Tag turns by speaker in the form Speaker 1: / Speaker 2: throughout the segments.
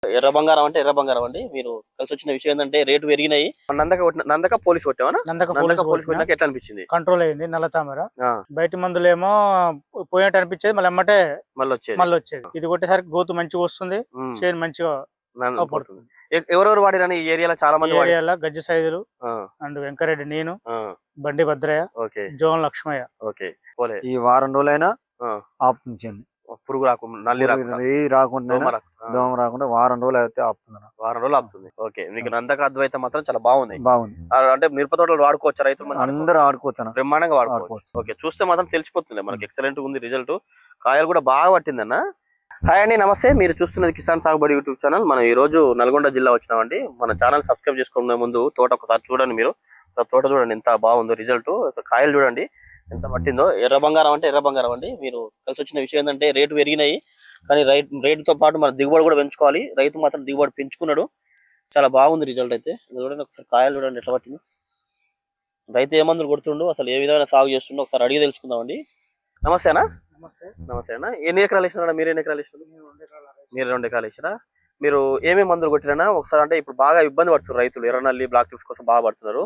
Speaker 1: ఎర్ర బంగారం అంటే ఎర్ర బంగారం అండి. మీరు కలిసి వచ్చిన విషయం ఏంటంటే రేటు పెరిగినాయి. నందక పోలీస్ కొట్టామా?
Speaker 2: నందక పోలీస్
Speaker 1: కొట్టినాక ఎట్లా అనిపించింది?
Speaker 2: కంట్రోల్ అయింది. నల్ల తామర బయట మందులేమో పోయినట్టు అనిపించేది, మళ్ళీ ఎమ్మటే మళ్ళీ వచ్చేది. ఇది కొట్టేసరికి గోతు మంచిగా వస్తుంది, చేను మంచిగా పడుతుంది.
Speaker 1: ఎవరెవరు వాడిరని ఈ ఏరియాలో చాలా మంది
Speaker 2: ఏరియాలో గజ్జి సైదులు అండ్ వెంకరెడ్డి, నేను, బండి భద్రయ్య, జోన్ లక్ష్మయ్య.
Speaker 1: ఈ వారం రోజులైనా ఆపుతుంది. పురుగు రాకుండా, నల్లి రాకుండా, దోమ రాకుండా వారం రోజులు అయితే ఆపుతుంది. వారం రోజులు ఆపుతుంది. ఓకే, మీకు నందక అద్వైతం మాత్రం చాలా బాగుంది. అంటే మిరప తోటలు వాడుకోవచ్చు రైతులు, అందరూ వాడుకోవచ్చు, బ్రహ్మాండంగా వాడుకోవచ్చు. ఓకే, చూస్తే మాత్రం తెలిసిపోతుంది మనకి ఎక్సలెంట్ ఉంది రిజల్ట్. కాయలు కూడా బాగా పట్టిందన్న. హాయ్ అండి, నమస్తే. మీరు చూస్తున్నది కిసాన్ సాగుబడి యూట్యూబ్ ఛానల్. మనం ఈ రోజు నల్గొండ జిల్లా వచ్చినామండి. మన ఛానల్ సబ్స్క్రైబ్ చేసుకునే ముందు తోట ఒకసారి చూడండి. మీరు తోట చూడండి ఎంత బాగుందో రిజల్ట్. కాయలు చూడండి ఎంత పట్టిందో. ఎర్ర బంగారం అంటే ఎర్ర బంగారం అండి. మీరు కలిసి వచ్చిన విషయం ఏంటంటే రేటు పెరిగినాయి, కానీ రేటుతో పాటు మన దిగుబడి కూడా పెంచుకోవాలి. రైతు మాత్రం దిగుబడి పెంచుకున్నాడు. చాలా బాగుంది రిజల్ట్ అయితే. చూడండి ఒకసారి కాయలు చూడండి ఎట్లా పట్టిందో. రైతు ఏ మందులు కొడుతుండో, అసలు ఏ విధమైన సాగు చేస్తుండో ఒకసారి అడిగి తెలుసుకుందామండి. నమస్తేనా? నమస్తే అన్న. ఎన్ని ఎకరాలు వేసినారా? మీరు ఎన్ని ఎకరాలు వేసినారు? మీరు 2 ఎకరాలు వేసినా. మీరు ఏమేమి మందులు కొట్టినా ఒకసారి? అంటే ఇప్పుడు బాగా ఇబ్బంది పడుతున్నారు రైతులు, ఎర్రనల్లి బ్లాక్ టిప్స్ కోసం బాగా పడుతున్నారు.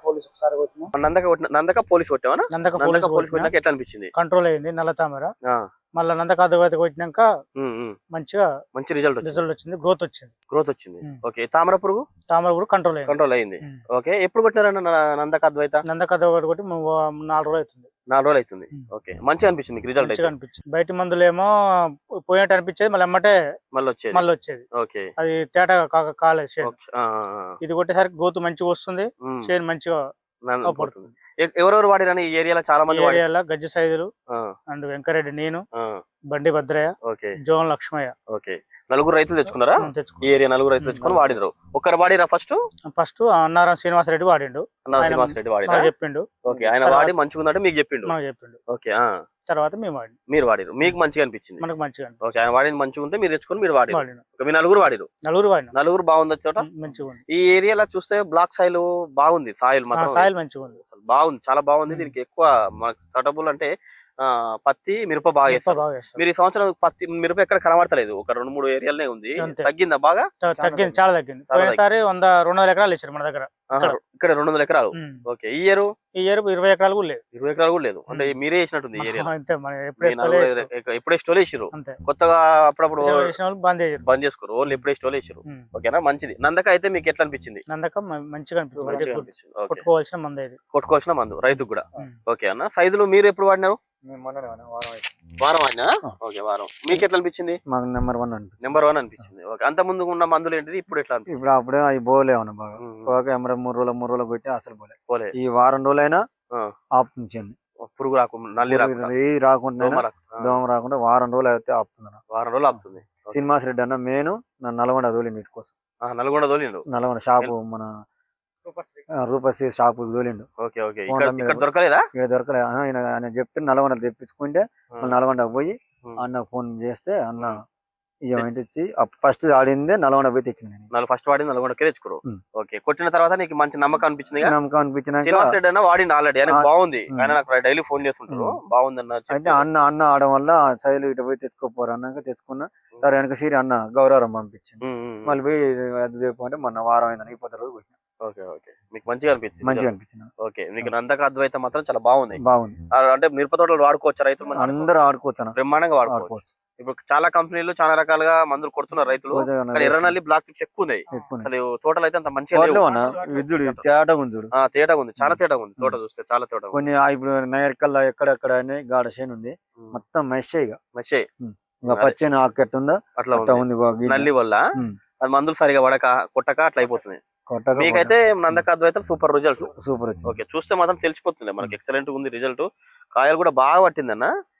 Speaker 1: నందక పోలీస్ కొట్టామా? నందక పోలీస్ కొట్టినాక ఎట్లా అనిపించింది?
Speaker 2: కంట్రోల్ అయింది. నల్ల తామర మళ్ళీ నందక అద్వైతం కొట్టినాక మంచి రిజల్ట్ వచ్చింది. గ్రోత్ వచ్చింది. ఓకే, తామర పురుగు కంట్రోల్ అయింది. ఓకే, ఎప్పుడు కొట్టినారన్న నందక అద్వైత? నందక అద్వైత కొట్టి 4 రోజులు అవుతుంది. ఓకే, మంచిగా అనిపించింది రిజల్ట్. బయట మందులేమో పోయినట్టు అనిపించేది, మళ్ళీ ఎమ్మటే మళ్ళీ వచ్చేది.
Speaker 1: ఓకే,
Speaker 2: అది తేట కాలేదు. ఇది కొట్టేసరికి గోతు మంచిగా వస్తుంది, చేను మంచిగా పడుతుంది.
Speaker 1: ఎవరెవరు వాడిరని ఈ ఏరియాలో చాలా మంది?
Speaker 2: ఏరియాలో గజ్జి సైదులు అండ్ వెంకరెడ్డి, నేను, బండి భద్రయ్య, జోన్ లక్ష్మయ్య.
Speaker 1: ఓకే, 4 రైతులు తెచ్చుకున్నారా? ఈ ఏరియా 4 రైతులు తెచ్చుకొని వాడినారు. ఒక్కరు వాడిరా? ఫస్ట్
Speaker 2: అన్నారం శ్రీనివాసరెడ్డి వాడిండు. చెప్పిండు.
Speaker 1: ఓకే, ఆయన వాడి మంచిగా ఉందంటే మీకు చెప్పిండు. ఓకే,
Speaker 2: తర్వాత
Speaker 1: మీరు వాడిరు, మీకు మంచిగా అనిపించింది.
Speaker 2: మనకు మంచిగా.
Speaker 1: ఓకే, ఆయన వాడింది మంచిగా ఉంటే మీరు తెచ్చుకొని మీరు వాడిరు. మీ 4 వాడిరు.
Speaker 2: 4
Speaker 1: బాగుంది చోట. ఈ ఏరియాలో చూస్తే బ్లాక్ సాయిల్ బాగుంది. సాయిల్
Speaker 2: మంచిగా ఉంది,
Speaker 1: బాగుంది, చాలా బాగుంది. దీనికి ఎక్కువ సూటబుల్ అంటే పత్తి, మిరప బాగా చేస్తారు. మీరు ఈ సంవత్సరం పత్తి మిరప ఎక్కడ కనబడతలేదు, ఒక 2-3 ఏరియాలనే ఉంది. తగ్గిందా? బాగా
Speaker 2: తగ్గింది, చాలా తగ్గింది. పోయినసారి 200 ఎకరాలు ఇచ్చారు మన దగ్గర.
Speaker 1: ఇక్కడ 200 ఎకరాలు. ఓకే, ఈ ఇయర్
Speaker 2: 20 ఎకరాలు కూడా లేదు.
Speaker 1: 20 ఎకరాలు కూడా లేదు. అంటే మీరే వేసినట్టుంది ఈ ఏరియా. ఎప్పుడే స్టోల్ వేసారు, కొత్తగా అప్పుడప్పుడు బంద్ చేసుకోరు, ఓన్లీ ఎప్పుడే స్టోల్ వేసారు. ఓకేనా, మంచిది. నందక అయితే మీకు ఎట్లా అనిపించింది?
Speaker 2: నందక మంచిగా అనిపించింది. కొట్టుకోవాల్సిన మందు
Speaker 1: రైతుకు కూడా. ఓకే అన్న, సైజులు మీరు ఎప్పుడు వాడినారు? వారం వాడినా. ఓకే, వారం. మీకు ఎట్లా అనిపించింది?
Speaker 3: మాకు నెంబర్ 1
Speaker 1: అనిపించింది. ఓకే, అంత ముందు ఉన్న మందులు ఏంటిది, ఇప్పుడు ఎట్లా?
Speaker 3: ఇప్పుడు అప్పుడే అవి పోలేవు బాగా. 3 రోజులు కొట్టి అసలు పోలే. ఈ వారం రోజులైనా ఆపుతుంది.
Speaker 1: పురుగు రాకుండా, నల్లి
Speaker 3: రాకుండా, దోమ రాకుండా వారం రోజులు అయితే ఆపుతుంది.
Speaker 1: వారం రోజులు ఆపుతుంది.
Speaker 3: శ్రీనివాసరెడ్డి అన్న నేను నల్గొండ తోలిండు వీటి కోసం. నల్గొండ షాపు, మన రూపశ్రీ షాపు తోలిండు.
Speaker 1: దొరకలేదా?
Speaker 3: దొరకలేదు. ఆయన చెప్తే నల్గొండ తెప్పించుకుంటే నల్గొండ పోయి అన్న ఫోన్ చేస్తే అన్న ఇచ్చి ఫస్ట్ ఆడిందే నల్గొండ పోయి తెచ్చింది.
Speaker 1: ఫస్ట్ వాడింది నల్గొండకే తెచ్చుకోరు. ఓకే, కొట్టిన తర్వాత నీకు మంచి నమ్మకం అనిపించింది?
Speaker 3: అనిపించిన
Speaker 1: వాడింది ఆల్రెడీ, బాగుంది. ఆయన నాకు డైలీ ఫోన్ చేస్తుంటారు, బాగుంది అన్న.
Speaker 3: అయితే అన్న ఆడడం వల్ల శైలు ఇటు పోయి తెచ్చుకోపోరు అన్నాక తెచ్చుకున్నా. సరే వెనక సీరి అన్న గౌరవం పంపించింది. మళ్ళీ పోయి అది చెప్పంటే మొన్న వారం అయిందని 20 రోజులు కొట్టినా.
Speaker 1: ఓకే, మీకు మంచిగా అనిపించింది. ఓకే, మీకు నందక అద్వైతం మాత్రం చాలా బాగుంది. అంటే మిరప తోటలు వాడుకోవచ్చు రైతులు,
Speaker 3: అందరూ ఆడుకోవచ్చు,
Speaker 1: బ్రహ్మాండంగా వాడుకోవచ్చు. ఇప్పుడు చాలా కంపెనీలు చాలా రకాలుగా మందులు కొడుతున్నారు రైతులు. ఎర్రనల్లి బ్లాక్ టిప్స్ ఎక్కువ ఉన్నాయి. అసలు తోటలు అయితే అంత మంచిగా
Speaker 3: తేటగా ఉంది,
Speaker 1: చాలా తేటగా ఉంది. తోట చూస్తే చాలా తేటగా
Speaker 3: కొన్ని. ఇప్పుడు నయర్కల్లా ఎక్కడెక్కడ గాఢ చేను ఉంది, మొత్తం మెస్సే పచ్చని ఆకెట్టుందా అట్లా ఉంది.
Speaker 1: నల్లి వల్ల మందులు సరిగా కొట్టక అట్లా అయిపోతుంది. మీకైతే నందక అద్వైతం సూపర్ రిజల్ట్.
Speaker 3: సూపర్.
Speaker 1: ఓకే, చూస్తే మాత్రం తెలిసిపోతుంది మనకి ఎక్సలెంట్ ఉంది రిజల్ట్. కాయలు కూడా బాగా పట్టిందన్న.